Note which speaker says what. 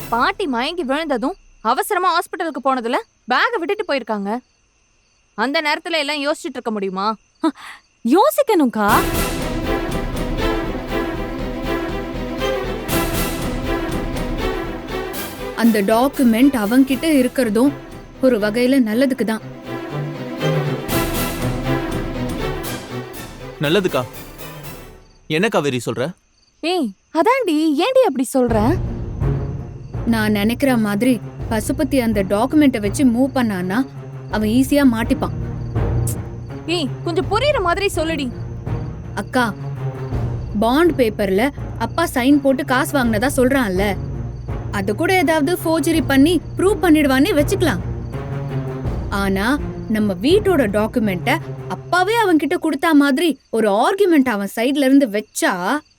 Speaker 1: பாட்டி மயங்கி விழுந்ததும் அவசரமா ஹாஸ்பிட்டலுக்கு போனதுல பேக விட்டுட்டு போயிருக்காங்க. அந்த நேரத்துல எல்லாம் யோசிச்சுட்டு இருக்க முடியுமா?
Speaker 2: யோசிக்கணும்க்கா.
Speaker 3: அந்த டாக்குமெண்ட் அவங்கிட்ட இருக்கிறதும் ஒரு வகையில நல்லதுக்கு தான்.
Speaker 4: நல்லதுக்கா? என்ன காவேரி சொல்ற?
Speaker 1: ஏய் அதான்டி, ஏன்டி அப்படி சொல்ற?
Speaker 3: நான் நினைக்கிற மாதிரி பசுபதி அந்த டாக்குமெண்ட்டை வச்சு மூவ் பண்ணானா அவன் ஈஸியா மாட்டிப்பான்.
Speaker 1: ஏய் கொஞ்சம் புரியுற மாதிரி சொல்லுடி.
Speaker 3: அக்கா, பாண்ட் பேப்பர்ல அப்பா சைன் போட்டு காசு வாங்கினதா சொல்றான்ல, அது கூட ஏதாவது ஃபோர்ஜரி பண்ணி ப்ரூவ் பண்ணிடுவானே வச்சுக்கலாம். ஆனா நம்ம வீட்டோட டாக்குமெண்ட்ட அப்பாவே அவன் கிட்ட கொடுத்தா மாதிரி ஒரு ஆர்குமெண்ட் அவன் சைடுல இருந்து வச்சா